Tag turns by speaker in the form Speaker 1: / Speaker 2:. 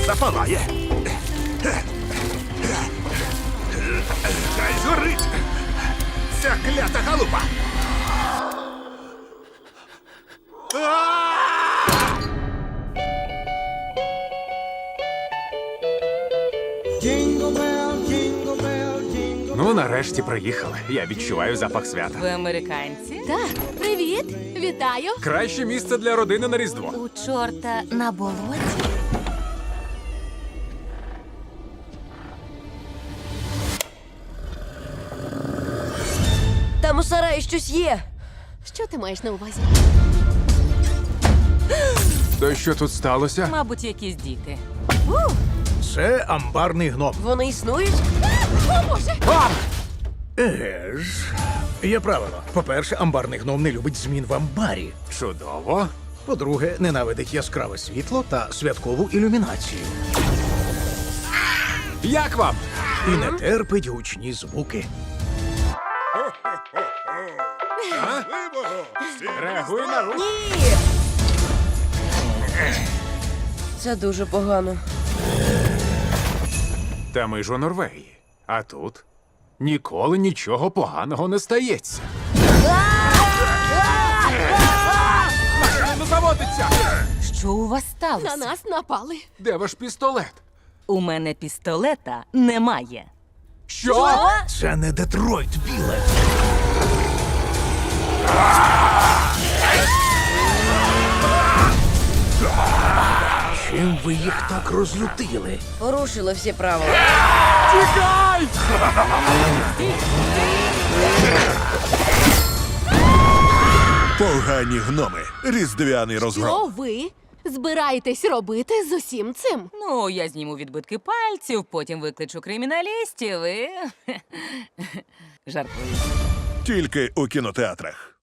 Speaker 1: запалає. Хай згорить! Ця клята галупа!
Speaker 2: Ну, нарешті приїхали. Я відчуваю запах свята.
Speaker 3: Ви американці?
Speaker 4: Так, привіт! Вітаю!
Speaker 2: Краще місце для родини на Різдво.
Speaker 3: У чорта на болоті?
Speaker 5: Там у сараї щось є.
Speaker 4: Що ти маєш на увазі?
Speaker 2: То що тут сталося?
Speaker 3: Мабуть, якісь діти.
Speaker 1: Це амбарний гном.
Speaker 5: Вони існують?
Speaker 1: Еге ж. Є правило. По-перше, амбарний гном не любить змін в амбарі.
Speaker 2: Чудово.
Speaker 1: По-друге, ненавидить яскраве світло та святкову ілюмінацію.
Speaker 2: Як вам?
Speaker 1: І не терпить гучні звуки.
Speaker 2: Реагуй на рух.
Speaker 5: Ні! Це дуже погано.
Speaker 2: Та ми ж у Норвегії. А тут ніколи нічого поганого не стається. Машина заводиться!
Speaker 3: Що у вас сталося?
Speaker 4: На нас напали.
Speaker 2: Де ваш пістолет?
Speaker 3: У мене пістолета немає.
Speaker 2: Що?
Speaker 1: Це не Детройт, Біле. Чим ви їх так розлютили?
Speaker 5: Порушили всі правила.
Speaker 2: Тікай!
Speaker 6: Погані гноми. Різдвяний розгром.
Speaker 4: Що ви збираєтесь робити з усім цим?
Speaker 3: Ну, я зніму відбитки пальців, потім викличу криміналістів і... Жартую.
Speaker 6: Тільки у кінотеатрах.